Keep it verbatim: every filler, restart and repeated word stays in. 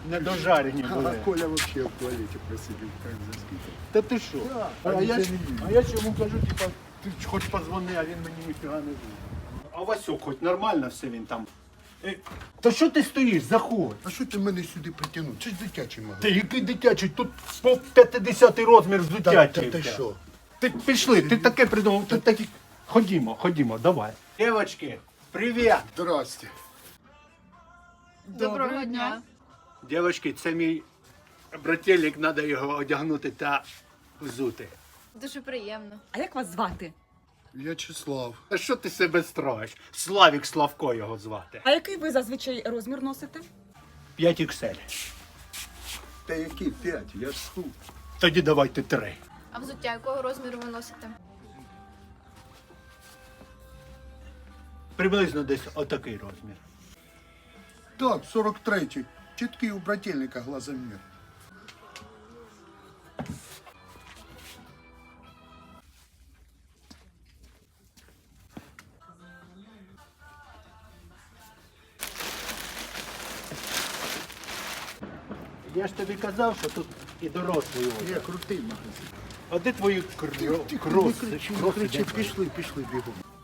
недожарені А були. Коля вообще в туалете просидел, как заскипал. Та ти що? Да, а, а я, він ж- це не їв. а я ж йому кажу, типа, ти ж хоч позвони, а він мені ніфіга не буде. А Васюк, хоч нормально все він там. Е, Та що ти стоїш? Заходь. А що ти мене сюди притягнув? Це ж дитячий Ти магазин. який дитячий? Тут по п'ятдесятий розмір взуття. Та, та, тільки. ти що? Ти пішли, ти таке придумав, ти такі. Ходімо, ходімо, давай. Дівчатки, привіт! Здрасте. Доброго дня. Дівчатки, це мій брателік, треба його одягнути та взути. Дуже приємно. А як вас звати? В'ячеслав. А що ти себе строїш? Славік Славко його звати. А який ви зазвичай розмір носите? п'ять ікс ель. Та які п'ять? Я ж тут. Тоді давайте три. А взуття якого розміру ви носите? Приблизно десь отакий розмір. Так, сорок третій. Чіткий у брательника глазомір. Я ж тобі казав, що тут і дорослий Є одяг. крутий магазин. А де твої Тихо, кро- тихо, не кроси? кричи, не Кроси кричи. де твої? Пішли, пішли бігом.